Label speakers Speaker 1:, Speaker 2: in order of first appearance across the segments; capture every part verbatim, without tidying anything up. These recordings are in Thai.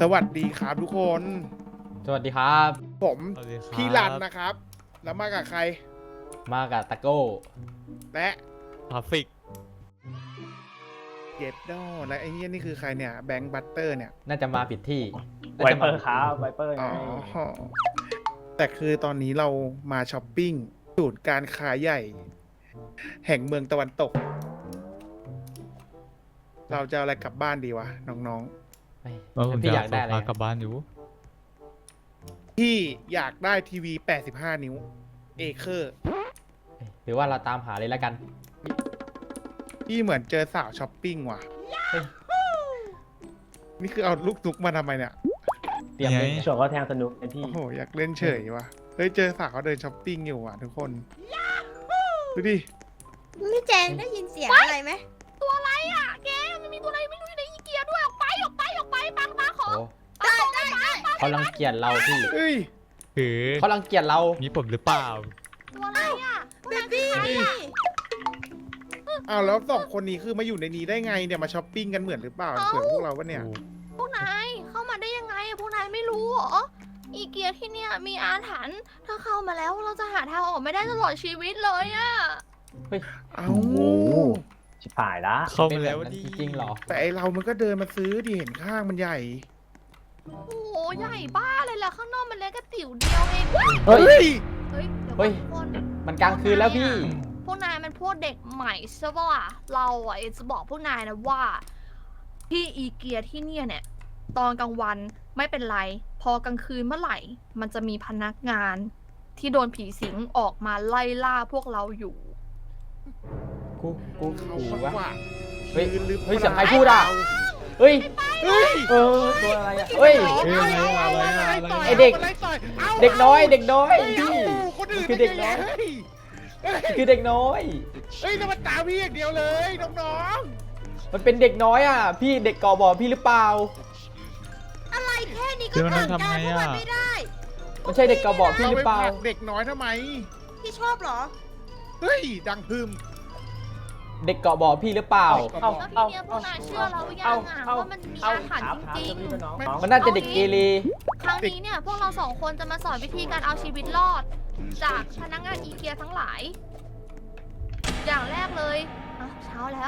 Speaker 1: วัสดีครับทุกคน
Speaker 2: สวัสดีครับ
Speaker 1: ผมพี่รันนะครับ แล้วมากับใคร
Speaker 2: มากับตะโก้
Speaker 1: และ
Speaker 3: ทราฟิก
Speaker 1: เย็บดอและไอ้เนี่ยนี่คือใครเนี่ยแบงค์บัตเตอร์เนี่ย
Speaker 2: น่าจะมาผิดที่
Speaker 4: ไวเปอร์ครับไวเปอร์ไง
Speaker 1: อ๋อแต่คือตอนนี้เรามาช้อปปิ้งศูนย์การค้าใหญ่ แห่งเมืองตะวันตก เราจะเอาอะไรกลับบ้านดีวะน้อง
Speaker 3: แล้วผม
Speaker 2: พี่
Speaker 3: จะ
Speaker 2: อยากได้
Speaker 3: ได้
Speaker 2: อะไร
Speaker 3: กลับบ้านอยู่
Speaker 1: ๆพี่อยากได้ทีวีแปดสิบห้านิ้วเอเคอร์
Speaker 2: หรือว่าเราตามหาเลยแล้วกัน
Speaker 1: พี่เหมือนเจอสาวช้อปปิ้งว่ะ
Speaker 2: เฮ้ย
Speaker 1: นี่คือเอาลูกนุกมาทำไมเนี่ย
Speaker 2: เตรียม
Speaker 3: ไง
Speaker 2: เล่นไง
Speaker 4: ช่วงก็แทงสนุกไอพี่
Speaker 1: โอ้โหอยากเล่นเฉยว่ะเฮ้ยเจอสาวเขาเดินช้อปปิ้งอยู่อ่ะทุกคนดูดิ
Speaker 5: นี่แจงได้ยินเสียงอะไรไหม
Speaker 6: ตัวอะไรอ่ะแกมันมีตัวอะไรไม่รู้อยู่ในอีเกียด้วยออกไปออกไปออกไปปังตาขอ
Speaker 2: โอ้
Speaker 5: ได้ได้ได้
Speaker 2: เขารังเกียจเราพี่
Speaker 1: เฮ้ย
Speaker 3: คือ
Speaker 2: เขารังเกียจเรา
Speaker 3: มีผมหรือเปล่า
Speaker 6: ตัวอะไรอ่ะ
Speaker 5: เบบี้
Speaker 1: อ้าวแล้วสองคนนี้คือมาอยู่ในนี้ได้ไงเนี่ยมาช้อปปิ้งกันเหมือนหรือเปล่าเหมือนพวกเราปะเนี่ย
Speaker 6: พวกนายเข้ามาได้ยังไงพวกนายไม่รู้เหรออีเกียที่เนี่ยมีอาถรรพ์ถ้าเข้ามาแล้วเราจะหาทางออกไม่ได้ตลอดชีวิตเลยอ่ะ
Speaker 1: เอ้า
Speaker 4: ชิบหายละ
Speaker 3: เข้า
Speaker 2: เป็น
Speaker 3: มา
Speaker 2: แบ
Speaker 3: แล้ว
Speaker 2: บนั้น
Speaker 3: ดิ
Speaker 2: จริงๆเหรอ
Speaker 1: แต่ไอเรามันก็เดินมาซื้อดิเห็นข้างมันใหญ่
Speaker 6: โอ้โหใหญ่บ้าเลยล่ะข้างนอกมันเล็กกระติ๋วเดียวเองเว้ย
Speaker 2: เฮ้ย
Speaker 1: เฮ้ย
Speaker 6: เฮ้ยเดี๋ยว
Speaker 2: เฮ้ย
Speaker 6: ก่อนทุกคน
Speaker 2: มันกลางคืนแล้วพี่
Speaker 6: พวกนายมันพวกเด็กใหม่ใช่ปะล่ะเราอ่ะจะบอกพวกนายนะว่าที่อีเกียที่เนี่ยเนี่ย ตอนกลางวันไม่เป็นไร พอกลางคืนเมื่อไหร่ มันจะมีพนักงาน ที่โดนผีสิงออกมาไล่ล่าพวกเราอยู่
Speaker 2: กูกู
Speaker 1: เขา
Speaker 2: กู
Speaker 1: มาก
Speaker 2: วะ
Speaker 1: กว่า
Speaker 2: เฮ้ย
Speaker 1: ยืนหรือ
Speaker 2: เฮ้ย
Speaker 1: ป
Speaker 2: เสียงใคร
Speaker 1: ล่า
Speaker 2: พูดอ่ะ เฮ้ย
Speaker 1: เฮ้ย
Speaker 2: เออตัวอะไรอ่ะเฮ้ย
Speaker 3: เอ้ยอะไรอะ
Speaker 1: า
Speaker 3: ไรอะ
Speaker 1: ต่
Speaker 3: ไร
Speaker 2: ไอ้เด็ก
Speaker 1: ามาไล่ต่อยอา
Speaker 2: เด็กน้อย เด็กน้อย
Speaker 1: เฮ้ย
Speaker 2: พี่
Speaker 1: เอาคนอื่น
Speaker 2: คือเด็กน้อย
Speaker 1: เฮ้ยเฮ้ย
Speaker 2: คือเด็กน้อย
Speaker 1: เฮ้ยนี่มันตามพี่อย่างเดียวเลยน้อง
Speaker 2: มันเป็นเด็กน้อยอ่ะ พี่เด็กก่อบอพี่หรือเปล่า
Speaker 5: อะไรแค่นี้ก็
Speaker 3: เดี๋ยวมัน
Speaker 5: เกิน
Speaker 3: ทำ
Speaker 5: การ
Speaker 3: ไง
Speaker 5: พวก
Speaker 3: อะ
Speaker 5: มันไม่ได้
Speaker 2: มันใช่เด็กก่อบอ
Speaker 1: ๆ
Speaker 2: พี่
Speaker 1: เรา
Speaker 2: หรื
Speaker 1: ไป
Speaker 2: อเปล่า
Speaker 1: ผลักเด็กน้อยทำไม
Speaker 5: พี่ชอบเหรอ
Speaker 1: เฮ้ยดังพึม
Speaker 2: เด็กเกาะบ่อพี่หรือเปล่า
Speaker 4: เอา
Speaker 6: แล้วที
Speaker 4: เอา
Speaker 6: เนี้ยพวกนายเชื่อเราหรือยังอ่ะว่ามันมีอาถรรพ์จริง
Speaker 4: น้อง
Speaker 2: มันน่าจะเด็กเกเร
Speaker 6: ๆ ครั้งนี้เนี่ยพวกเราสองคนจะมาสอนวิธีการเอาชีวิตรอด จากพนักงานอีเกียทั้งหลาย อย่างแรกเลยอ่ะเช้าแล้ว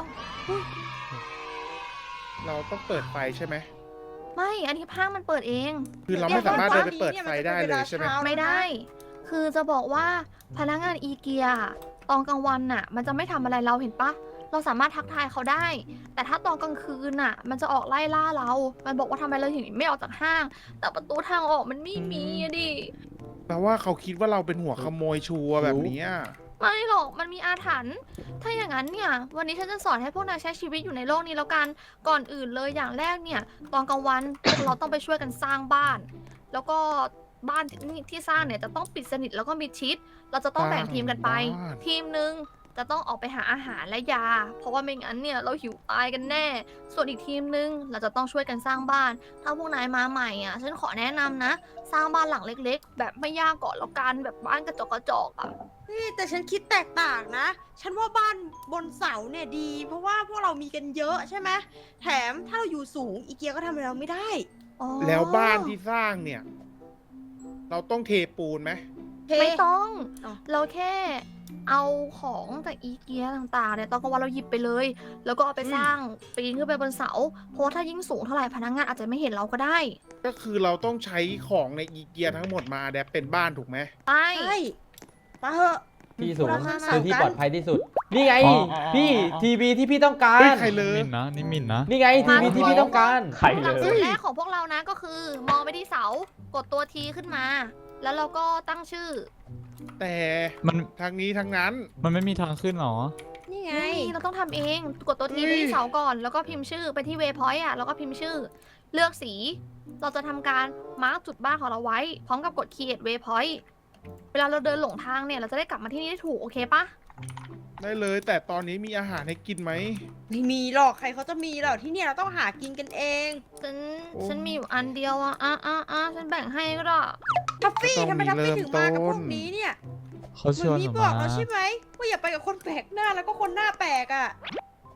Speaker 1: เราต้องเปิดไฟใช่ไหม
Speaker 6: ไม่ อันนี้ห้างมันเปิดเอง
Speaker 1: คือเราไม่สามารถเดินไปเปิดไฟได้เลยใช่ไหม
Speaker 6: ไม่ได้ คือจะบอกว่าพนักงานอีเกียตอนกลางวันน่ะ มันจะไม่ทำอะไรเราเห็นปะ เราสามารถทักทายเขาได้ แต่ถ้าตอนกลางคืนน่ะ มันจะออกไล่ล่าเรา มันบอกว่าทำไมเราถึงไม่ออกจากห้าง แต่ประตูทางออกมันไม่มีอะดิ
Speaker 1: แปลว่าเขาคิดว่าเราเป็นหัวขโมยชัวร์แบบเนี้ย
Speaker 6: ไม่หรอก มันมีอาถรรพ์ ถ้าอย่างนั้นเนี่ย วันนี้ฉันจะสอนให้พวกนายใช้ชีวิตอยู่ในโลกนี้แล้วกัน ก่อนอื่นเลยอย่างแรกเนี่ย ตอนกลางวัน พวกเราต้องไปช่วยกันสร้างบ้าน แล้วก็บ้านที่ที่สร้างเนี่ยจะต้องปิดสนิทแล้วก็มิดชิด เราจะต้องแบ่งทีมกันไป
Speaker 1: บ้าน
Speaker 6: ทีมหนึ่งจะต้องออกไปหาอาหารและยา เพราะว่าไม่งั้นเนี่ยเราหิวตายกันแน่ ส่วนอีกทีมหนึ่งเราจะต้องช่วยกันสร้างบ้าน ถ้าพวกนายมาใหม่อ่ะ ฉันขอแนะนำนะ สร้างบ้านหลังเล็ก ๆ แบบไม่ยากก่อนแล้วกันแบบบ้านกระจกกระจอกอ่ะ
Speaker 5: นี่แต่ฉันคิดแตกต่างนะ ฉันว่าบ้านบนเสาเนี่ยดี เพราะว่าพวกเรามีกันเยอะใช่ไหมแถมถ้าเราอยู่สูงอีเกียก็ทำอะไรเราไม่ได้
Speaker 6: อ๋อ
Speaker 1: แล้วบ้านที่สร้างเนี่ย เราต้องเทปูนไหม
Speaker 5: เท
Speaker 6: ไม่ต้อง
Speaker 5: อ๋อ
Speaker 6: เราแค่เอาของจากอีเกียต่างๆเนี่ยตอนกลางวันเราหยิบไปเลย แล้วก็เอาไปสร้างปีนขึ้นไปบนเสา เพราะว่าถ้ายิ่งสูงเท่าไหร่พนักงานอาจจะไม่เห็นเราก็ได้
Speaker 1: ก็คือเราต้องใช้ของในอีเกียทั้งหมดมาแดปเป็นบ้านถูกไหม
Speaker 6: ไป
Speaker 5: ใช่ไปเถอะ
Speaker 2: ที่สูง
Speaker 5: เรามา
Speaker 2: คือที่
Speaker 5: กัน
Speaker 2: ปลอดภัยที่สุด นี่ไง
Speaker 3: อ๋ออ๋ออ๋อ
Speaker 2: พี่ทีวีที่พี่ต้องกา
Speaker 1: เฮ้ย
Speaker 2: ร
Speaker 1: ใครเลย
Speaker 3: มินนะนี่มินนะ
Speaker 2: นี่ไงทีวีที่พี่ต้องการ
Speaker 4: ใคร
Speaker 6: ห
Speaker 4: เล
Speaker 6: ลักสู
Speaker 4: ย
Speaker 6: ตรแรกของพวกเรานะก็คือ มองไปที่เสา กดตัวทีขึ้นมา แล้วเราก็ตั้งชื่อ
Speaker 1: แต่
Speaker 3: มัน
Speaker 1: ทางนี้ทางนั้น
Speaker 3: มันไม่มีทางขึ้นหรอ
Speaker 5: นี่ไง
Speaker 6: นี่เราต้องทำเอง กดตัวที
Speaker 1: เฮ้
Speaker 6: ไป
Speaker 1: ย
Speaker 6: ที่เสาก่อน แล้วก็พิมพ์ชื่อไปที่เวพอยต์อ่ะ แล้วก็พิมพ์ชื่อ เลือกสี เราจะทำการมาร์กจุดบ้านของเราไว้ พร้อมกับกด create waypoint เวลาเราเดินหลงทางเนี่ย เราจะได้กลับมาที่นี่ได้ถูก โอเคปะ
Speaker 1: ได้เลยแต่ตอนนี้มีอาหารให้กินไหม
Speaker 5: ไม่มีหรอกใครเขาจะมีหรอกที่เนี่ยเราต้องหากินกันเอง
Speaker 6: ฉัน
Speaker 1: โอ้
Speaker 6: ฉันมีอยู่อันเดียวอ่ะอ่ะอ่ะอ่ะฉันแบ่งให้ก็ได้
Speaker 5: ทัฟฟี่
Speaker 1: ก็ต้อง
Speaker 5: ทำไมทัฟ
Speaker 1: มี
Speaker 5: ฟี่
Speaker 1: เริ่ม
Speaker 5: ถึงมากับพว
Speaker 1: ต้
Speaker 5: ก
Speaker 1: น
Speaker 5: นี้เนี่ย
Speaker 3: เขา
Speaker 5: เห
Speaker 3: ช
Speaker 5: มือ
Speaker 3: วน
Speaker 5: นมี
Speaker 3: ผม
Speaker 5: บอก
Speaker 3: มา
Speaker 5: เราใช่ไหมว่าอย่าไปกับคนแปลกหน้าแล้วก็คนหน้าแปลกอ่ะ
Speaker 6: ม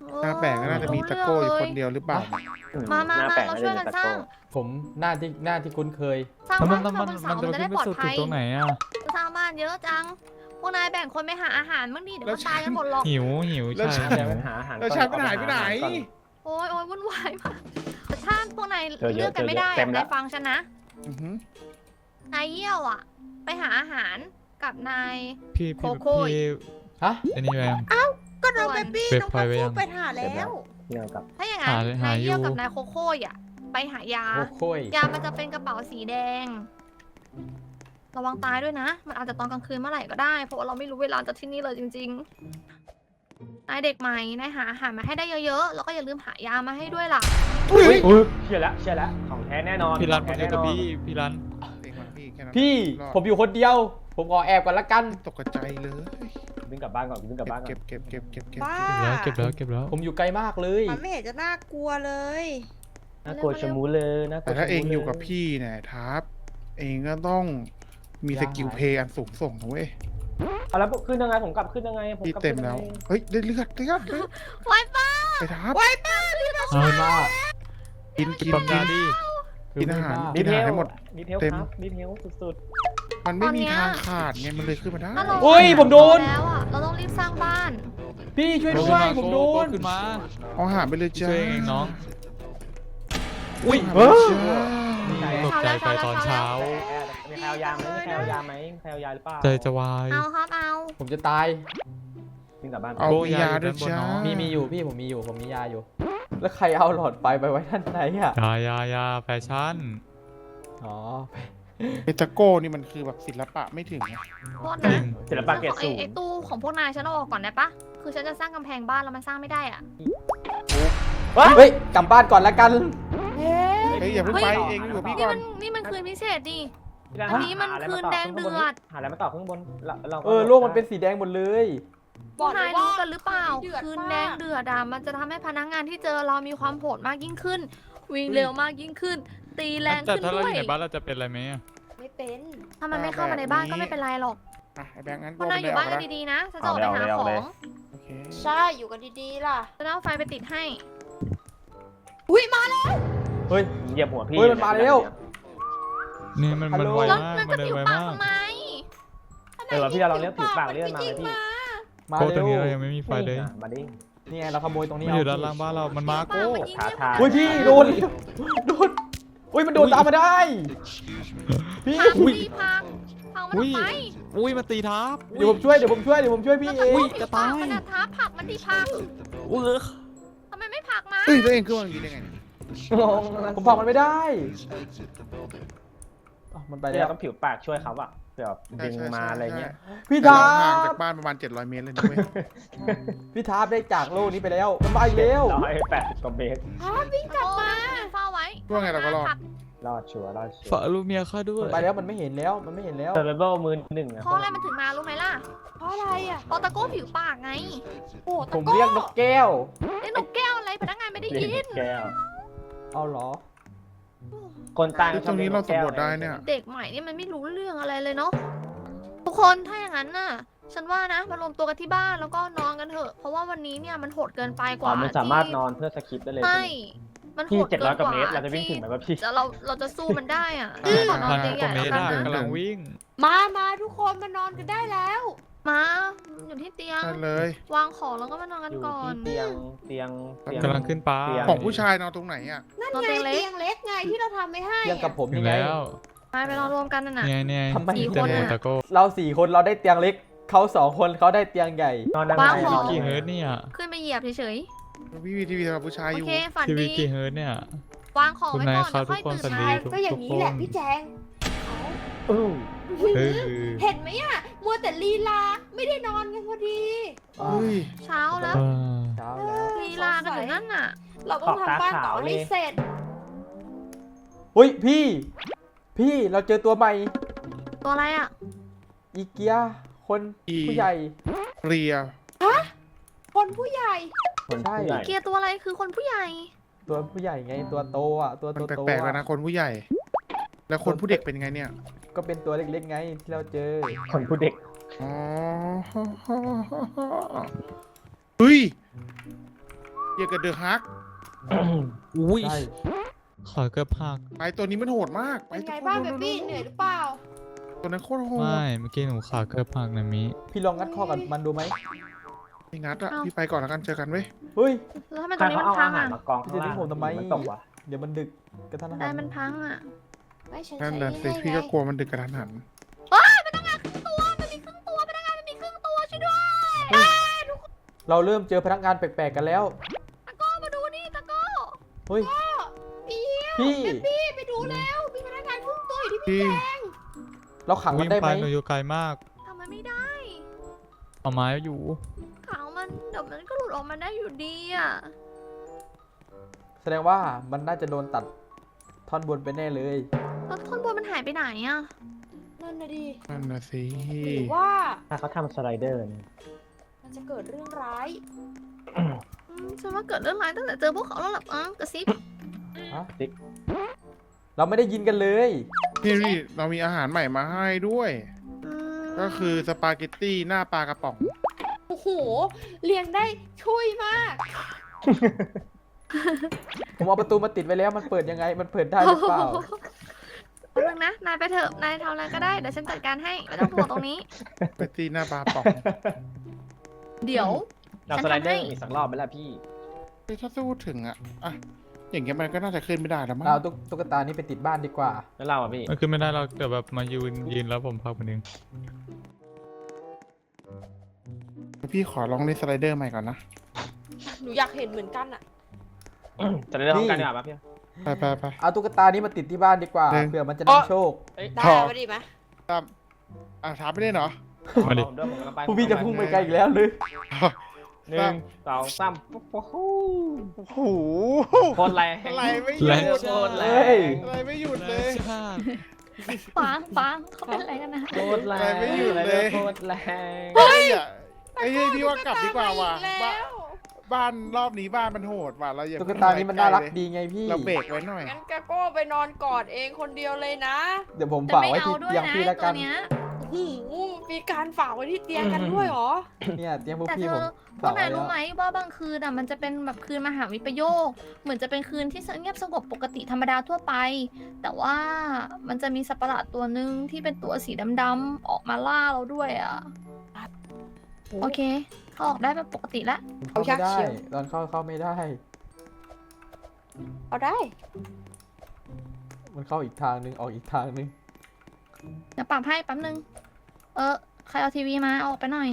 Speaker 1: หน้าแปลกก็น่าจะมีตะโก้อยู่คนเดียวหรือเปล่า
Speaker 6: มามา
Speaker 4: หน้
Speaker 6: มา
Speaker 4: แปลก
Speaker 6: เรา
Speaker 4: น่
Speaker 6: ช่วย
Speaker 4: จะ
Speaker 6: กัน
Speaker 4: มี
Speaker 6: สร้าง
Speaker 4: ตะโก้
Speaker 2: ผมหน้าที่หน้าที่คุ้นเคย
Speaker 6: สร้าง
Speaker 3: แล้วมั
Speaker 6: บ้าน น
Speaker 3: มัน
Speaker 6: บ
Speaker 3: มัน
Speaker 6: น
Speaker 3: มัน
Speaker 6: เสา
Speaker 3: จะ
Speaker 6: มันจะ
Speaker 3: ขึ้
Speaker 6: ได้
Speaker 3: นไป
Speaker 6: ปลอด
Speaker 3: สุด
Speaker 6: ภัย
Speaker 3: ตรงไหนอ่ะ
Speaker 6: สร้างบ้านเยอะจัง พวกนายแบ่งคนไปหาอาหารบ้างดิเดี๋ยว
Speaker 1: แล้ว
Speaker 6: ก็ตายกันหมดหรอก
Speaker 3: หิวหิว
Speaker 1: แล้ว
Speaker 3: ใช่
Speaker 1: ฉัน
Speaker 4: เดี๋ยวไปหาอาหาร
Speaker 1: แล้ว
Speaker 4: ก่อ
Speaker 1: ฉันมันหายไปไหน
Speaker 4: เอก่อ
Speaker 6: โอ้ยโอ้ยวุ่นวายมากแต่ถ้าพวกนาย
Speaker 4: เจอเยอะ
Speaker 6: เลือกกันไม่ได้
Speaker 4: เจอเยอะเต็
Speaker 6: อะ
Speaker 4: มแล้ว
Speaker 6: นายฟังฉันนะ
Speaker 1: อือหือน
Speaker 6: ายเยี่ยวอ่ะ ไปหาอาหารกับนาย
Speaker 3: พี่
Speaker 6: โค
Speaker 3: พี่
Speaker 6: โค่
Speaker 3: พี่
Speaker 2: ฮะ
Speaker 3: อันนี้แวง
Speaker 5: ก็น้องเบบี้
Speaker 3: เว็บ
Speaker 5: น้อง
Speaker 3: พอย
Speaker 5: พั
Speaker 3: ไว้
Speaker 5: ฟ
Speaker 3: ยั
Speaker 5: ฟู
Speaker 3: ง
Speaker 5: ไปหาแล้ว
Speaker 4: เกี่ยวกับ
Speaker 6: ถ้าอย่างนั้น
Speaker 3: หาเลยหาน
Speaker 6: ายเยี่ยว
Speaker 3: อยู่
Speaker 6: กับนายโคโค่อ่ะไปหายา
Speaker 2: โอ้โค้ย
Speaker 6: ยามันจะเป็นกระเป๋าสีแดง ระวังตายด้วยนะ มันอาจจะตอนกลางคืนเมื่อไหร่ก็ได้ เพราะว่าเราไม่รู้เวลาจากที่นี่เลยจริงๆ นายเด็กใหม่ นายหาอาหารมาให้ได้เยอะๆ แล้วก็อย่าลืมหายามาให้ด้วยล่ะ
Speaker 1: อุ้ย
Speaker 4: อุ้ยเชื่อแล้วเชื่อแล้วของแท้แน่นอน
Speaker 3: พี่รัน
Speaker 4: ข
Speaker 3: มา
Speaker 4: อง
Speaker 3: เจ
Speaker 4: แท้
Speaker 3: อ
Speaker 4: แน่
Speaker 3: กับ
Speaker 4: นอน
Speaker 3: พี่พี่รัน
Speaker 1: เองมาพี่แค่นั้น
Speaker 2: พี่
Speaker 1: รอด
Speaker 2: ผมอยู่คนเดียว ผมขอแอบก่อนละกัน
Speaker 1: ตกกระจายเลย
Speaker 4: วิ่งกลับบ้านก่อนวิ่งกลับบ้านก่อน
Speaker 1: เก็บเก็บเก็บเก็บเก็บ
Speaker 5: บ้า
Speaker 3: เก็บแล้วเก็บแล้วเก็บแล้ว
Speaker 2: ผมอยู่ไกลมากเลย
Speaker 5: มันไม่เห็นจะน่ากลัวเลย
Speaker 4: น่ากลัวชะมูเลยน่ากลั
Speaker 1: แต่
Speaker 4: ว
Speaker 1: ถ้า
Speaker 4: ชะ
Speaker 1: เอง
Speaker 4: มูล
Speaker 1: อยู่กับพี่เนี่ยทับเองก็ต้องมีสกิลเพย์อันสูงส่งนะเว้ย
Speaker 4: เอาแล้วขึ้นยังไงผมกลับขึ้นยังไงผม
Speaker 1: พี่
Speaker 4: กลับ
Speaker 1: เต็ม
Speaker 4: ขึ้น
Speaker 1: แล้ว
Speaker 4: ยังไง
Speaker 1: เฮ้ยได้เลือดเลือดเลือด
Speaker 6: ไว้ป้า
Speaker 1: ไปทับ
Speaker 5: ไว้ป้าพี่นะ
Speaker 3: เอามา
Speaker 1: กินกิน
Speaker 3: ปั๊ม
Speaker 1: กิ
Speaker 3: ยาน ดิ
Speaker 1: กินอาหาร
Speaker 2: คือไม่บ้
Speaker 1: กินอาหารให้หมด
Speaker 4: ดีเทล
Speaker 1: เต็ม
Speaker 4: ครับดีเทลสุด
Speaker 1: มันไม่มีทางขาดไงมันเลยขึ้นมาได้
Speaker 6: ถ้าเรา
Speaker 2: โอ้ยผมโดน
Speaker 6: แล้วอ่ะ เราต้องรีบสร้างบ้าน
Speaker 2: พี่ช่วย
Speaker 3: โก
Speaker 2: ด้วย
Speaker 3: ขึ้นมา
Speaker 2: ผมโด
Speaker 3: โก
Speaker 2: น
Speaker 3: ขึ้นมา
Speaker 1: เอาอาหารไปเลยจ้า
Speaker 3: ช่วยเองน้อง
Speaker 2: อุ้ย
Speaker 1: เอาอาหารไปเลยจ้า
Speaker 3: ตกใจไปตอนเช้า
Speaker 4: ๆมีใครเอายาไหมมีใครเอายาไหมมีใครเอายาหรือเปล่า
Speaker 3: ใจจะวาย
Speaker 6: เอาครับเอา
Speaker 2: ผมจะตาย
Speaker 4: วิ่งกลับบ้าน
Speaker 1: เอา
Speaker 3: โก
Speaker 1: มียาด้วยจ้า
Speaker 2: มีมีอยู่พี่ผมมีอยู่ผมมียาอยู่ แล้วใครเอาหลอดไฟไปไว้ด้านในอ่ะ
Speaker 3: ยายายาแฟชั่น
Speaker 2: อ๋อ
Speaker 1: ไอตะโก้นี่มันคือแบบศิลปะไม่ถึงไง
Speaker 6: โทษ
Speaker 3: จริ
Speaker 6: นะ
Speaker 3: ง
Speaker 4: ศิลปะเกรด
Speaker 6: ไอ้
Speaker 4: สูง
Speaker 6: ไอ้ตู้ของพวกนายฉันเอาออกก่อนได้ปะคือฉันจะสร้างกำแพงบ้านแล้วมันสร้างไม่ได้อ่ะ
Speaker 2: เฮ้ยกลับบ้านก่อนละกัน
Speaker 5: เฮ้
Speaker 1: เฮ้ยอย่าเพิ่งไปเองอยู่กับพี่
Speaker 6: นี่
Speaker 1: ก่อ
Speaker 6: มัน นนี่มันคืนพิเศษดิ
Speaker 4: พี่รั
Speaker 6: อันนี้มัน
Speaker 4: หาะไร
Speaker 6: คืน
Speaker 4: มาต่
Speaker 6: แดงเดือด
Speaker 4: หาอะไรมาต่อข้างบนเราเราก็
Speaker 2: เออโลกมันเป็นสีแดงหมดเลย
Speaker 6: พวกนายรู้กันหรือเปล่า
Speaker 5: เดือด
Speaker 6: คืน
Speaker 5: มาก
Speaker 6: แดงเดือดอ่ะมันจะทำให้พนักงานที่เจอเรามีความโหดมากยิ่งขึ้น วิ่งเร็วมากยิ่งขึ้น ตีแรง
Speaker 3: แต่
Speaker 6: ขึ้น
Speaker 3: ถ้าเรา
Speaker 6: ด้
Speaker 3: อ
Speaker 6: วย
Speaker 3: ยู่ในบ้านเราจะเป็นอะไรไหมอะ
Speaker 5: ไม่เป็น
Speaker 6: ถ้ามันไม่เข้ามาในบ้านก็ไม่เป็นไรหรอก
Speaker 1: อ่ะไอแบงค์งั้น
Speaker 6: พวกนายอยู่บ้านกันดีๆนะฉันจะออกไปหาของ
Speaker 1: โอเค
Speaker 5: ใช่อยู่กันดีๆล่ะ
Speaker 6: จะเอาไฟไปติดให้
Speaker 5: อุ้ยมาแล้ว
Speaker 2: เฮ้ย
Speaker 4: เหยียบหัวพี่
Speaker 2: เฮ้ยมันมาแล้ว
Speaker 3: นี่มันมัน
Speaker 2: ฮัลโหล
Speaker 3: ไว
Speaker 6: แล้ว
Speaker 3: มาก
Speaker 6: นั่น
Speaker 3: มั
Speaker 6: จะ
Speaker 3: นเดิน
Speaker 6: ผิว
Speaker 3: ไว
Speaker 6: ปาก
Speaker 3: มาก
Speaker 6: ทำไม
Speaker 4: เออพี่เราเรียกผิวปากเลื่อนมาเลยพี่
Speaker 2: มา
Speaker 3: โกต
Speaker 2: เร็
Speaker 3: รง
Speaker 2: ว
Speaker 3: นี้เรายังไม่มีไฟเลย
Speaker 4: อ่ะมาดิ
Speaker 2: นี่ไงเราขโมยตรงนี้
Speaker 3: มันอยู่
Speaker 2: เ
Speaker 3: ด้านล่างบ้านเรา มันมาโก้
Speaker 6: ปากมันยิง
Speaker 4: ท้า
Speaker 6: ที่
Speaker 4: ทาย
Speaker 2: เฮ้ยพี่โดนโดนอุ้ยมันโดนตามมาได้พี่
Speaker 6: พัง
Speaker 2: อุ้ย
Speaker 6: ดีพังพังมัน
Speaker 3: อุ้ย
Speaker 6: ทำไม
Speaker 3: อุ้ยมาตีทับ
Speaker 2: เดี๋ยวผมช่วยเดี๋ยวผมช่วยเดี๋ยวผมช่วยพี่เอง
Speaker 3: อุ้ย
Speaker 6: ผิ
Speaker 3: ก
Speaker 6: ว
Speaker 3: ระ
Speaker 6: ปา
Speaker 3: ต่าก ย
Speaker 6: มันอะท้าผักมันดีพัง
Speaker 3: อุ้ย
Speaker 6: ทำไมไม่ผักมา
Speaker 1: เฮ้ยแล้วเองขึ้นมาอย่างนี้ได้ไงเนี่ย
Speaker 2: งงผมผลักมันไม่ได้อ้าวมันไป
Speaker 4: พี่
Speaker 2: แล้
Speaker 4: เรา
Speaker 2: ว
Speaker 4: ต้องผิวปากช่วยเขาอะเผื่อดึงมาอะไรเงี้ย
Speaker 2: พี่
Speaker 1: แต่
Speaker 2: ทา
Speaker 1: เราห่าง
Speaker 2: บ
Speaker 1: จากบ้านประมาณเจ็ดร้อยเมตรเลยนะเว้ย
Speaker 2: พี่ทาบได้จากโลกนี้ไปแล้วมันมาอีกแล้ว
Speaker 4: ร้อยแปดสิบกว่าเมตร
Speaker 5: ฮะวิ่งกลับมา
Speaker 6: เฝ้าไว้
Speaker 1: ว่าไงเราก็รอด
Speaker 6: ผัก
Speaker 4: รอดชัวร์รอดชัว
Speaker 3: ฝาก
Speaker 4: ร์
Speaker 3: ลูกเมียข้าด้วย
Speaker 2: มันไปแล้วมันไม่เห็นแล้วมันไม่เห็นแล้ว
Speaker 4: เซอร์ไวเบิลมือหนึ่งอะ
Speaker 6: เพราะอะไรมันถึงมารู้ไหมล่ะ
Speaker 5: เพราะอะไรอ่ะ
Speaker 6: เพราะตะโก้ผิวปากไง
Speaker 5: โอ้
Speaker 2: ผ
Speaker 5: ตะ
Speaker 2: ม
Speaker 5: โก้
Speaker 2: เรียกนกแก้ว
Speaker 6: ไอ้นกแก้วอะไรพนักงานไม่ได้
Speaker 4: เรีย
Speaker 6: ยิ
Speaker 4: ก
Speaker 6: น
Speaker 4: แก้ว
Speaker 2: เอาเหรอ
Speaker 4: คนตาย
Speaker 1: ตรงนี้เราสำรวจได้เนี่ย
Speaker 6: เด็กใหม่นี่มันไม่รู้เรื่องอะไรเลยเนาะทุกคนถ้าอย่างนั้นน่ะ ฉันว่านะมารวมตัวกันที่บ้านแล้วก็นอนกันเถอะ เพราะว่าวันนี้เนี่ยมันโหดเกินไปก
Speaker 4: อ๋อ
Speaker 6: ว่า
Speaker 4: มันสามารถ
Speaker 6: ที่
Speaker 4: นอนเพื่อสคิปได้เลย
Speaker 6: ใช่มันโห
Speaker 4: พี่
Speaker 6: ด
Speaker 4: เจ็ด
Speaker 6: เกิ
Speaker 4: ร้อย
Speaker 6: น
Speaker 4: ก
Speaker 6: ก
Speaker 4: ว่า
Speaker 6: ว่า
Speaker 4: เมตรเราจะวิ่งถึงไหมวะพี่
Speaker 6: จะเราเราจะสู้มันได้อ่ะ
Speaker 1: อืม
Speaker 6: ขอนอน
Speaker 3: พัน
Speaker 6: ให
Speaker 3: ก
Speaker 6: ญ่
Speaker 3: ว่าเม
Speaker 6: ๆ
Speaker 3: ต
Speaker 6: แล้ว
Speaker 3: ร
Speaker 6: กัน
Speaker 3: อะ
Speaker 6: นะ
Speaker 3: กำลังวิ่ง
Speaker 5: มามาทุกคนมานอนกันได้แล้ว
Speaker 6: มาอยู่ที่เตียง
Speaker 1: ได้เลย
Speaker 6: วางของแล้วก็มานอนกัน
Speaker 4: อยู่
Speaker 6: ก่อน
Speaker 4: ที่เตียงเตียงเตียง
Speaker 3: กำลังขึ้นป้า
Speaker 4: เตีย
Speaker 1: ของผู้ชายนอนตรงไหนอ่ะ
Speaker 5: นั่น
Speaker 6: นอน
Speaker 5: ไง
Speaker 6: เตียงเล็ก
Speaker 5: เตียงเล็กไงที่เราทำไม่ให้
Speaker 2: เตียงกับ
Speaker 5: อะ
Speaker 2: ผม
Speaker 3: ถึ
Speaker 2: ยัง
Speaker 3: ง
Speaker 2: ไง
Speaker 3: แล้ว
Speaker 6: ไปไปนอนรวมกันน่ะนะ
Speaker 3: เนี่ยเนี่ย
Speaker 2: ทำไม
Speaker 6: สี่
Speaker 3: เต็ม
Speaker 6: คน
Speaker 3: หมด
Speaker 6: อะ
Speaker 3: ตะโก้
Speaker 2: เราสี่คนเราได้เตียงเล็กเขาสองคนเขาได้เตียงใหญ่
Speaker 4: นอนได้ไหม
Speaker 6: วางของ
Speaker 3: กี่เฮิร์ตเนี่ย
Speaker 6: ขึ้นไปเหยียบเฉย
Speaker 1: พี่วีทีวีสำหรับผู้ชาย
Speaker 6: ๆ
Speaker 1: อ
Speaker 6: โอยู่ เคฝัน
Speaker 3: ทีวี
Speaker 6: ดี
Speaker 3: กี่เฮิร์ตเนี่ย
Speaker 6: วางของ
Speaker 3: คุณ
Speaker 6: ไว้
Speaker 3: นาย
Speaker 6: ก่อน
Speaker 3: ครับ
Speaker 6: เดี๋ยวค่อย
Speaker 3: ทุกคน
Speaker 6: ตื่น
Speaker 3: สวัสดี
Speaker 6: มา
Speaker 5: ก็อย่างนี้แหละพี่แจง
Speaker 4: อู้
Speaker 3: เออ
Speaker 5: เห็นไหมอ่ะ มัวแต่ลีลา ไม่ได้นอนกันพอดี
Speaker 1: เฮ้ย
Speaker 6: เช้าแล้ว
Speaker 3: เออ
Speaker 2: เช้าแล้ว
Speaker 6: ลีลากันอยู่นั่นน่ะ
Speaker 5: เราต้องทำบ้านต่อให้เสร็จ
Speaker 2: เฮ้ยพี่ พี่เราเจอตัวใหม่
Speaker 6: ตัวอะไรอ่ะ
Speaker 2: อีเกียคนผู้ใหญ่
Speaker 1: เรีย
Speaker 5: คนผู้ใหญ่
Speaker 4: คน
Speaker 2: ใช่
Speaker 4: ผู้ใหญ่
Speaker 6: เกียร์ตัวอะไรคือคนผู้ใหญ่
Speaker 2: ตัวผู้ใหญ่ไงตัวโตอ่ะตัว
Speaker 1: มัน
Speaker 2: โตโต
Speaker 1: แปลกๆแล้วนะคนผู้ใหญ่ แล้วคนผู้เด็กเป็นไงเนี่ย
Speaker 2: ก็เป็นตัวเล็กๆไงที่เราเจอ
Speaker 4: คนผู้เด็ก
Speaker 1: อ๋อเฮ้ยเกี่ยวกับเดอะฮัก
Speaker 3: อุ้ย
Speaker 4: ใช่
Speaker 3: ขาเกือบหัก
Speaker 1: ไปตัวนี้มันโหดมากไป
Speaker 5: เป็นไง
Speaker 1: ทุกคน
Speaker 5: บ้างเบบี้เหนื่อยหรือเปล่า
Speaker 1: ตัวนั้นโคตรโหด
Speaker 3: ไม่เมื่อกี้หนูขาเกือบหักนะมิ
Speaker 2: พี่ลองงัดข้อกับมันดูไหม
Speaker 1: ไม่งัดอะพี่ไปก่อนแล้วกันเจอกันเว้ย
Speaker 2: เฮ้ย
Speaker 6: แล้วทำไมต
Speaker 4: ใค
Speaker 6: ร
Speaker 4: รง
Speaker 6: นี้
Speaker 4: เขา
Speaker 6: มัน
Speaker 4: เอา
Speaker 6: พั
Speaker 4: อาง หาร
Speaker 6: อ่ะ
Speaker 4: มากองข้างล่าง
Speaker 2: จะทิ้งผมทำไม
Speaker 4: มันตกวะ
Speaker 2: เดี๋ยวมันดึกกระทันหั
Speaker 6: ได้
Speaker 2: น
Speaker 6: มันพังอ่ะ
Speaker 5: ไม่ฉัน
Speaker 1: นั่น
Speaker 5: ใช้
Speaker 1: น่ะสิ
Speaker 5: ง่ายๆ
Speaker 1: พี่ก็
Speaker 5: ไง
Speaker 1: กลัวมันดึกกระทันหัน
Speaker 6: เฮ้ยพนักงานครึ่งตัวมันมีครึ่งตัวพนักงานมันมีครึ่งตัวช่วยด้วย
Speaker 2: เราเริ่มเจอพนักงานแปลกๆกันแล้ว
Speaker 6: ตะโก้มาดูนี่ตะโก้
Speaker 2: เฮ้ย
Speaker 5: เปี้ยว
Speaker 2: พี่
Speaker 5: พี่ไปดูแล้วมีพนักงานครึ่งตัวอยู่ที่พี่
Speaker 1: พี่
Speaker 5: แจง
Speaker 2: เราขังมัน
Speaker 3: วิ่ง
Speaker 2: ได้ไห
Speaker 3: ไป
Speaker 2: ม
Speaker 3: หนูอยู่ไกลมาก
Speaker 6: ทำมันไม่ได้
Speaker 3: เอาไม้อยู่
Speaker 6: ขาวมันเดี๋ยวมันก็หลุดออกมาได้อยู่ดีอ่ะ
Speaker 2: แสดงว่ามันน่าจะโดนตัดท่อนบนไปแน่เลย
Speaker 6: แล้วท่อนบนมันหายไปไหนอ่ะ
Speaker 5: นั่นนะดิ
Speaker 1: นั่นน่ะสิ
Speaker 5: หรือว่า
Speaker 4: ถ้าเขาทำสไลเดอร์เนี่ย
Speaker 5: มันจะเกิดเรื่องร้าย
Speaker 6: อืมฉันว่าเกิดเรื่องร้ายตั้งแต่เจอพวกเขาแล้วล่ะอ่ะกระซิบ
Speaker 2: ฮะ
Speaker 4: ติ๊ก
Speaker 2: เราไม่ได้ยินกันเลย
Speaker 1: พี่พี่เรามีอาหารใหม่มาให้ด้วย
Speaker 6: อืม
Speaker 1: ก็คือสปาเกตตี้หน้าปลากระป๋อง
Speaker 5: โอ้โหเลี้ยงได้ช่วยมาก
Speaker 2: ผมเอาประตูมาติดไว้แล้วมันเปิดยังไง มันเปิดได้หรือเปล่า
Speaker 6: แป๊บนึงนะ นายไปเถอะ นายทำอะไรก็ได้ เดี๋ยวฉันจัดการให้ ไม่ต้องห่วงตรงนี้
Speaker 1: สปาเกตตี้หน้าปลากระป๋อง
Speaker 6: เดี๋ยว
Speaker 4: เรา
Speaker 6: ฉัน
Speaker 4: สไล
Speaker 6: ทำ
Speaker 4: เดอ
Speaker 6: ให้
Speaker 4: ร์อีกสักรอบไหมล่ะพี่
Speaker 1: เฮ้ยถ้าสู้ถึงอะอะอย่างเงี้ยมันก็น่าจะขึ้นไม่ได้แล้วมั้ง
Speaker 2: เอาตุ๊กตุ๊กตานี้ไปติดบ้านดีกว่า
Speaker 4: แล้วเราอ่ะพี่
Speaker 3: มันขึ้นไม่ได้เราเดี๋ยวแบบมายืนยืนแล้วผมพักมันเอง
Speaker 1: พี่ขอลองเล่นสไลเดอร์ใหม่ก่อนนะ
Speaker 5: หนูอยากเห็นเหมือนกันอะ
Speaker 4: สไลเดอร์พร้อมกันดีกว่าปะพี่
Speaker 1: ไปไปไป
Speaker 2: เอาตุ๊กตานี้มาติดที่บ้านดีกว่า
Speaker 1: เดิน
Speaker 2: เผื่อมันจะนำโชค
Speaker 4: เอ้ย
Speaker 5: ได้
Speaker 1: พอ
Speaker 5: ปะดีไหม
Speaker 1: ตามอ่ะถามไม่ได้เหรอ
Speaker 3: มาดิ
Speaker 4: ผมด้วยผมกำลังไป
Speaker 2: ผู้พี่จะพุ่งไปไกลอีกแล้วเลย
Speaker 4: หนึ่งสองสามโอ้โห
Speaker 1: โอ้โห
Speaker 4: โคตรแรง
Speaker 1: อะไรไม่หยุด
Speaker 4: โคตรแร
Speaker 2: เฮ้ย
Speaker 4: ง
Speaker 1: อะไรไม่หยุดเลย
Speaker 6: ฟังฟังเขาเป็นอะไรกันนะ
Speaker 4: โคตรแรง
Speaker 1: อะไรไม่หยุดเลย
Speaker 4: โคตรแรง
Speaker 1: เฮ้ยอะไอ้เฮ้ยพี่ว่ากลับดีกว่าว่ะ
Speaker 5: ตุ๊กตามาอีก
Speaker 1: บ้า
Speaker 5: แล้ว
Speaker 1: บ้านรอบนี้บ้านมันโหดว่ะเราอย่า
Speaker 2: ตุ๊กตานี้มันน่ารักดีไงพี่
Speaker 1: เราเบรกไว้หน่อย
Speaker 5: งั้นแกก็ไปนอนกอดเองคนเดียวเลยนะ
Speaker 2: เดี๋ยวผม
Speaker 6: แต่
Speaker 2: ฝาก
Speaker 6: ไม่
Speaker 2: ไว้
Speaker 6: เอา
Speaker 2: ที่
Speaker 6: ด้วย
Speaker 2: เตียง
Speaker 6: นะ
Speaker 2: พี่แล้ว
Speaker 6: ตั
Speaker 2: กั
Speaker 6: วน เนี้ย
Speaker 5: โอ้โหมีการฝากไว้ที่เตียงกันด้วยเหรอ
Speaker 2: เนี่ยเตียงพวก
Speaker 6: แต่
Speaker 2: พี่
Speaker 6: เธ
Speaker 2: ผ
Speaker 6: อ
Speaker 2: ม
Speaker 6: พว
Speaker 2: ฝาก ก
Speaker 6: นา
Speaker 2: ไว้
Speaker 6: ย
Speaker 2: แล้
Speaker 6: รู้
Speaker 2: ว
Speaker 6: ไหมว่าบางคืนอ่ะมันจะเป็นแบบคืนมหาวิปโยค เหมือนจะเป็นคืนที่เงียบสงบปกติธรรมดาทั่วไป แต่ว่ามันจะมีสัตว์ประหลาดตัวหนึ่งที่เป็นตัวสีดำๆออกมาล่าเราด้วยอ่ะ โอเค เขาออกได้แบบปกติแล้ว
Speaker 2: เข้าไม่
Speaker 5: เอายาก
Speaker 2: ได้
Speaker 5: เชียว
Speaker 2: ตอนเข้าเข้าไม่ได้
Speaker 5: เอาได้
Speaker 2: มันเข้าอีกทางนึงออกอีกทางนึง
Speaker 6: เดี๋ยวปรับให้แป๊บนึง เออ ใครเอาทีวีมาเอาออกไปหน่อย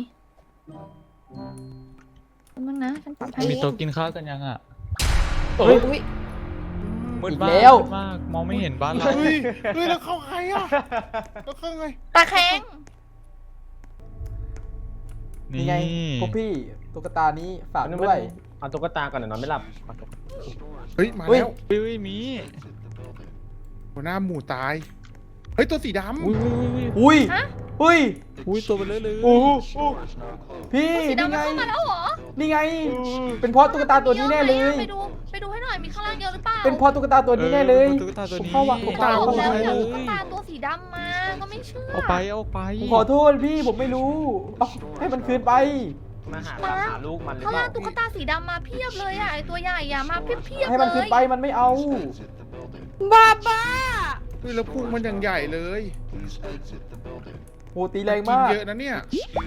Speaker 6: แป๊บนึงนะ ฉันปรับให้
Speaker 3: มีโต๊ะกินข้าวกันยังอ่ะ
Speaker 2: เฮ้ย
Speaker 5: อุ้ย
Speaker 3: มืด
Speaker 2: อีก
Speaker 3: มาก
Speaker 2: แล้ว
Speaker 3: มืดมากมองไม่เห็นบ้านเรา
Speaker 1: เฮ้ยเฮ้ยแล้วเข้าใครอ่ะแล้วเข้าไง
Speaker 6: ตาแข็ง
Speaker 3: นี่
Speaker 2: นี่ไงพวกพี่ตุ๊กตานี้ฝากด้วย
Speaker 4: เอาตุ๊กตาก่อนเดี๋ยวนอนไม่หลับเอาตุ๊ก
Speaker 1: เฮ้ยมา
Speaker 2: เฮ้ย
Speaker 1: แล้ว
Speaker 3: อุ้ยมี
Speaker 1: หัวหน้าหมูตายเฮ้ยตัวสีดำ
Speaker 3: อุ้ยอุ้ย
Speaker 2: อุ้ย
Speaker 6: ฮะ
Speaker 2: อุ้ย
Speaker 3: อุ้ยตัวเบลอเลย
Speaker 2: โอ้โหพี่
Speaker 6: สี
Speaker 2: นี่
Speaker 6: ดำมัน
Speaker 2: ไง
Speaker 6: เข้ามาแล้วเหรอ
Speaker 2: นี่ไง เป็นเพราะตุ๊กตาตัวนี้แน่เลย
Speaker 6: ไปดู ไปดูให้หน่อย มีข้างล่างเยอะหรือเปล่า
Speaker 2: เป็นเพราะตุ๊กตาตัวนี้แน่เลย
Speaker 3: ตุ๊กตาตัว
Speaker 2: ผม
Speaker 3: นี้
Speaker 2: เข้าวังผม
Speaker 6: บ
Speaker 2: เข้า
Speaker 6: อก
Speaker 2: เข้า
Speaker 6: แล้ว
Speaker 2: ไป
Speaker 6: อย่า
Speaker 2: เล
Speaker 6: เอาตุ๊ก
Speaker 2: ย
Speaker 6: ตาตัวสีดำมา ก็ไม่เชื่อ
Speaker 3: เอาไปเอาไป
Speaker 2: ผมขอโทษพี่ผมไม่รู้เอาให้มันคืนไป
Speaker 4: มาหาตามหาลูกมันหรือ
Speaker 6: ข้าง
Speaker 4: เป
Speaker 6: ล่า
Speaker 4: ล่าง
Speaker 6: ตุ๊กตาสีดำมาเพียบเลยอ่ะไอตัวใหญ่อะมาเพียบเพียบ
Speaker 2: ให้มันคืนไปมันไม่เอา
Speaker 5: บ้าบ้า
Speaker 1: เฮ้ยแล้วพุงมันอย่างใหญ่เลย
Speaker 2: โหตีแรง
Speaker 1: กิน
Speaker 2: มาก
Speaker 1: เยอะนะเนี่ย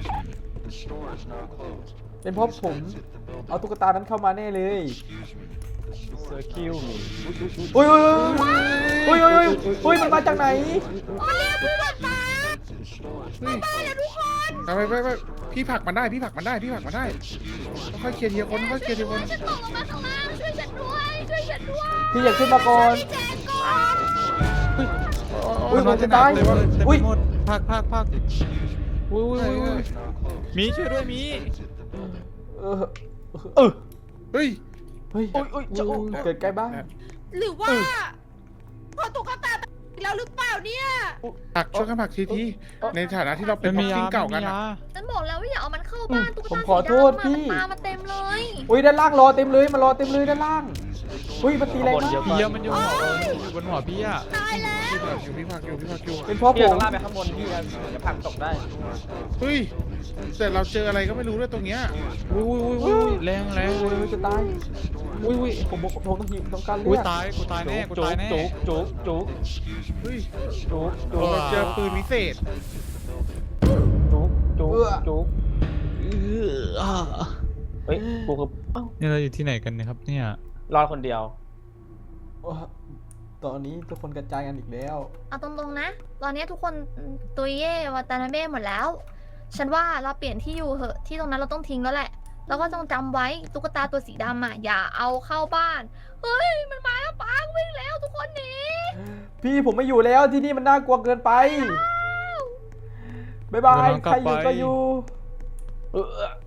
Speaker 2: เป็นเพราะผมเอาตุ๊กตานั้นเข้ามาแน่เลย
Speaker 4: เซอร์คิวมี
Speaker 2: อุ้ยอุ้ยอุ้ยอุ้ยอุ้ยอุ้ยมันมาจากไหน
Speaker 5: มันเรียกผู้บาดตา
Speaker 1: เฮ้ย
Speaker 5: ตายแล้วทุกคน
Speaker 1: ไปไปไปพี่ผลักมันได้พี่ผลักมันได้พี่ผลักมันได้ค่อยๆเคลียร์ทีละคนค่อยๆเคลียร์ทีละคน
Speaker 6: ฉันตกลงมาข้างล่างช่วยฉันด้วย ช่วยฉันด้วย
Speaker 2: พี่อยากขึ้นมาก่อน
Speaker 5: แจกก่อน
Speaker 2: อุ้ยผมจะตาย
Speaker 3: เต็มไปหมดเต็ม
Speaker 2: อุ้
Speaker 3: ไป
Speaker 2: ย
Speaker 3: หมดพักพักพักอุ้ยอุ้ยอุ้ยอุ้ยมีช่วยด้วยมี
Speaker 2: เออเออ
Speaker 1: เฮ้ย
Speaker 2: เฮ้ยเกิดใกล้บ้าน
Speaker 5: หรือว่าพอตุ๊กตาตายอีกแล้วหรือเปล่าเนี่ย
Speaker 1: ผลักช่วยกันผลักทีทีในฐานะที่เราเป็น
Speaker 3: มัน
Speaker 1: บ็
Speaker 3: มี
Speaker 1: อก
Speaker 3: ยา
Speaker 1: ซิ่งเก่ากัน
Speaker 3: มี
Speaker 1: อะ
Speaker 3: ยา
Speaker 6: ฉันบอกแล้วว่าอย่าเอามันเข้าบ้านตุ๊ก
Speaker 2: ผม
Speaker 6: ตา
Speaker 2: ขอ
Speaker 6: สี
Speaker 2: โทษ
Speaker 6: ดำ
Speaker 2: พี่
Speaker 6: มันตามมาเต็มเลย
Speaker 2: อุ้ยด้านล่างรอเต็มเลยมารอเต็มเลยด้านล่างอุ้ยมันตีแรงมาก
Speaker 3: พี่อะมันอยู่หัวเออมันอยู่บนหัวพี่อะ
Speaker 5: ตายแล้ว
Speaker 1: พี่ผักอยู่พี่ผักอยู่พี่ผักอยู่
Speaker 2: เป็นเพราะผ
Speaker 4: พี่เรา
Speaker 2: ม
Speaker 4: ต้องลากไปข้างบนพี่จะจะผลักตกได้
Speaker 1: เฮ้ยแต่เราเจออะไรก็ไม่รู้ด้วยตรงเนี้ย
Speaker 3: อุ้ยอุ้ยอุ้ยอุ้ยแรงแรง
Speaker 2: โอ้ยจะตาย
Speaker 3: อุ้ยอุ้ย
Speaker 2: ผมผมผมต้องหิวต้องการเลื
Speaker 3: อุ้ย
Speaker 2: อด
Speaker 3: ตายกูตายแน่กูตายแน่
Speaker 4: จุกจุกจุก
Speaker 1: เฮ้ย
Speaker 4: จุกจุ
Speaker 1: เรา
Speaker 4: ก
Speaker 1: เจอปืนวิเศษ
Speaker 4: จุกจุกจุก
Speaker 3: เอออ่า
Speaker 4: เฮ้ยกูคือเอ้า
Speaker 3: นี่เราอยู่ที่ไหนกันเนะครับเนี่ย
Speaker 4: รอดคนเดียว
Speaker 2: โอ้ตอนนี้ทุกคนกระจายกันอีกแล้ว
Speaker 6: เอาตรงๆนะ ตอนนี้ทุกคนตุยเย่วาตานาเบ้หมดแล้ว ฉันว่าเราเปลี่ยนที่อยู่เหอะ ที่ตรงนั้นเราต้องทิ้งแล้วแหละ แล้วก็ต้องจำไว้ตุ๊กตาตัวสีดำอ่ะ อย่าเอาเข้าบ้าน เฮ้ย มันมาแล้วปังวิ่งแล้วทุกคนหนี
Speaker 2: พี่ผมไม่อยู่แล้วที่นี่มันน่ากลัวเกินไปบ๊ายบาย
Speaker 3: เดี๋ยวเรากลับ
Speaker 2: ใครอยู่
Speaker 3: ไป
Speaker 2: ก็อยู่
Speaker 4: เออ